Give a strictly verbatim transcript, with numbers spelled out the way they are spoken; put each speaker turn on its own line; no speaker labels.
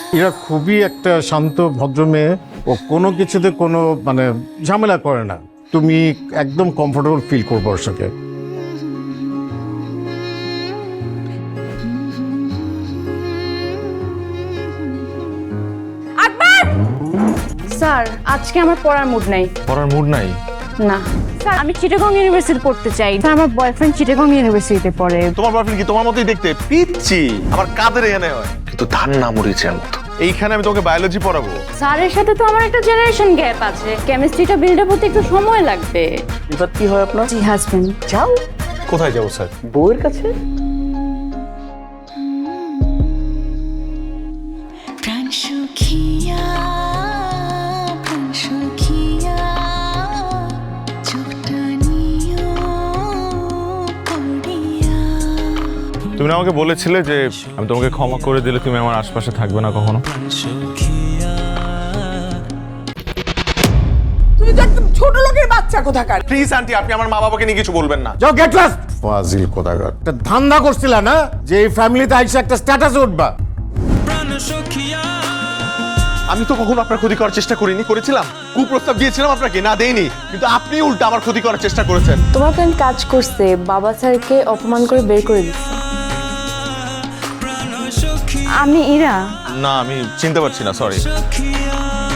এরা খুবই একটা শান্ত ভদ্র মেয়ে, ও কোনো কিছুতে কোনো মানে ঝামেলা করে না। তুমি একদম কমফোর্টেবল ফিল করবো ওর সাথে।
স্যার আজকে আমার পড়ার মুড নাই।
পড়ার মুড নাই?
না স্যার, আমি চিটাগং ইউনিভার্সিটি পড়তে চাই। স্যার আমার বয়ফ্রেন্ড চিটাগং ইউনিভার্সিটিতে পড়ে।
তোমার বয়ফ্রেন্ড কি তোমার মতোই দেখতে? পিচ্ছি আমার কাদের এখানে হয়, কিন্তু ধান না মরিচের মতো। এইখানে আমি তোমাকে বায়োলজি পড়াবো।
স্যারের সাথে তো আমার একটা জেনারেশন গ্যাপ আছে, কেমিস্ট্রিটা বিল্ড আপ হতে একটু সময় লাগবে।
এবার কি হয় আপনার?
জি হাজবেন্ড।
যাও
কোথায় যাবো স্যার?
বউয়ের কাছে।
প্রাণ সুখিয়া প্রাণ সুখিয়া চোখটা নিও পড়িয়া।
তুমি না আমাকে বলেছিলে যে আমি তোমাকে ক্ষমা করে দিলে তুমি আমার আশপাশে থাকবে না কখনো।
তুই তো একদম ছোট লোকের বাচ্চা কোথাকার।
প্লিজ আন্টি, আপনি আমার মা বাবাকে নিয়ে কিছু বলবেন না।
যাও গেট লস্ট। ফাজিল কোথাকার। একটা ধান্দা করছিলা না যে এই ফ্যামিলিতে আইসা একটা স্ট্যাটাসে উঠবা।
আমি তো কখনো আপনার ক্ষতি করার চেষ্টা করিনি। করেছিলাম? কুপ্রস্তাব দিয়েছিলাম আপনাকে? না দেইনি, কিন্তু আপনি উল্টা আমার ক্ষতি করার চেষ্টা করেছেন।
তোমার ফ্রেন্ড কাজ করছে, বাবা স্যারকে অপমান করে বের করে দিচ্ছে। আমি ইরা।
না, আমি চিনতে পারছি না, সরি।